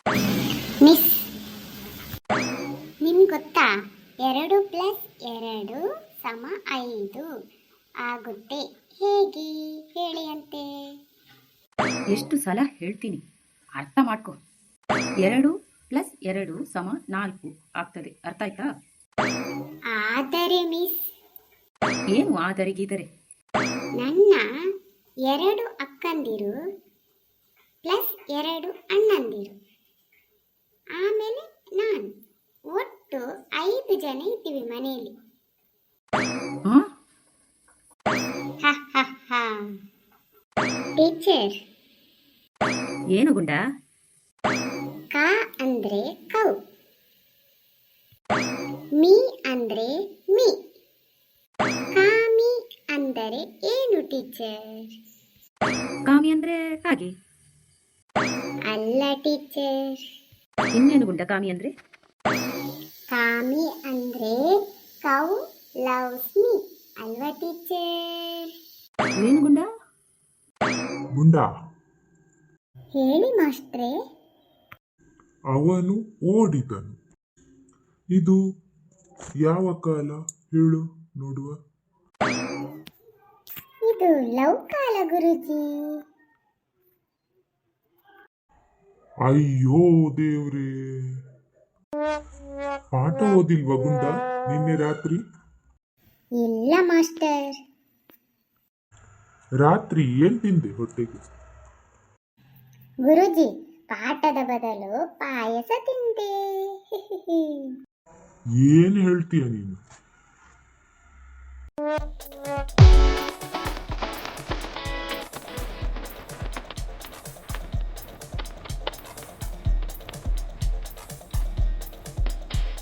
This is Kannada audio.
ಮಿಸ್, ನಿಮ್ಗೆ ಗೊತ್ತಾ 2+2 = 5 ಆಗುತ್ತೆ? ಹೇಗೆ ಹೇಳಿ ಅಂತೆ. ಎಷ್ಟು ಸಲ ಹೇಳ್ತೀನಿ, ಅರ್ಥ ಮಾಡ್ಕೊ. 2+2 = 4 ಆಗ್ತದೆ. ಅರ್ಥ ಆಯ್ತಾ? ಆದರೆ ಮಿಸ್, ಏನು ಆದರೆ ಗೀದರೆ? ನನ್ನ 2 ಅಕ್ಕಂದಿರು ಪ್ಲಸ್ 2 ಅಣ್ಣಂದಿರು, ಆಮೇಲೆ ನಾನು, ಒಟ್ಟು 5 ಜನ ಇದ್ದೀವಿ ಮನೆಯಲ್ಲಿ. ಟೀಚರ್, ಏನು ಗುಂಡ? ಕ ಅಂದ್ರೆ ಕೌ, ಮೀ ಅಂದ್ರೆ ಮೀ, ಕಾಮಿ ಅಂದರೆ ಏನು ಟೀಚರ್? ಕಾಮಿ ಅಂದ್ರೆ ಕಾಗೆ. ಅಲ್ಲ ಟೀಚರ್, ಇನ್ನೇನು ಗುಂಡ ಕಾಮಿ ಅಂದ್ರೆ? ಕಾಮಿ ಅಂದ್ರೆ ಕೌ ಲವ್ಸ್ ಮೀ ಅಲ್ವಾ ಟೀಚರ್? ಏನು ಗುಂಡ? ಗುಂಡ, ಹೇಳಿ ಮಾಸ್ಟ್ರೇ. ಅವನು ಓಡಿದನು. ಇದು ಯಾವ ಕಾಲ ಹೇಳು ನೋಡುವ? ಇದು ಲವ್ ಕಾಲ ಗುರುಜಿ. ಅಯ್ಯೋ ದೇವ್ರೇ, ಪಾಠ ಓದಿಲ್ವಾ ಗುಂಡ ನಿನ್ನೆ ರಾತ್ರಿ? ಇಲ್ಲ ಮಾಸ್ಟರ್. ರಾತ್ರಿ ಏನ್ ತಿಂದೆ ಹೊಟ್ಟೆಗೆ? ಗುರುಜಿ, ಪಾಠದ ಬದಲು ಪಾಯಸ ತಿಂದೆ. ಏನ್ ಹೇಳ್ತೀಯ ನೀನು?